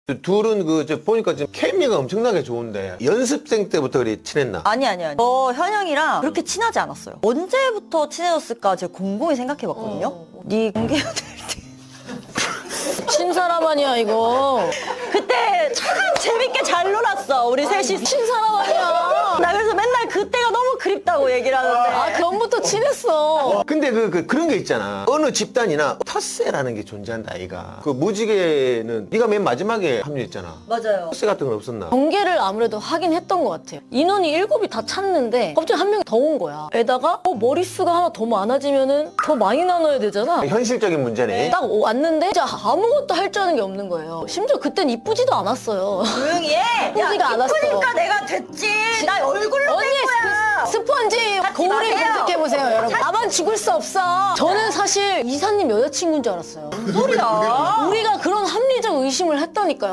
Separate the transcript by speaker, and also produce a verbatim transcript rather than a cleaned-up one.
Speaker 1: 둘은 그 저 보니까 지금 케미가 엄청나게 좋은데 연습생 때부터 그리 친했나?
Speaker 2: 아니 아니 아니. 저 현영이랑 그렇게 친하지 않았어요. 언제부터 친해졌을까 제가 곰곰이 생각해봤거든요.
Speaker 3: 어.
Speaker 2: 네 공개해야 될 때.
Speaker 3: 신사람 아니야 이거.
Speaker 2: 그때 참 재밌게 잘 놀았어 우리 셋이.
Speaker 3: 신사람 아니야.
Speaker 2: 나 그래서 맨날 그때가 너무 그립다고 얘기를 하는데.
Speaker 3: 아 그럼부터 친했어.
Speaker 1: 근데 그, 그 그런 게 있잖아. 어느 집단이나 텃세라는 게 존재한다 아이가. 그 무지개는 네가 맨 마지막에 합류했잖아.
Speaker 2: 맞아요.
Speaker 1: 텃세 같은 건 없었나?
Speaker 3: 경계를 아무래도 하긴 했던 것 같아요. 인원이 일곱이 다 찼는데 갑자기 한 명이 더 온 거야. 게다가 어, 머릿수가 하나 더 많아지면은 더 많이 나눠야 되잖아.
Speaker 1: 현실적인 문제네.
Speaker 3: 딱 왔는데 진짜 아무것도 할 줄 아는 게 없는 거예요. 심지어 그땐 이쁘지도 않았어요.
Speaker 2: 조용히 해.
Speaker 3: 이쁘지가 않았어.
Speaker 2: 이쁘니까 내가 됐지. 나 얼굴로
Speaker 3: 언니
Speaker 2: 된 거야.
Speaker 3: 스, 스펀지 거울을
Speaker 2: 마세요.
Speaker 3: 검색해보세요 여러분. 나만 죽을 수 없어. 저는 사실 이사님 여자친구인 줄 알았어요.
Speaker 2: 소리야.
Speaker 3: 우리가 그런 합리적 의심을 했다니까요.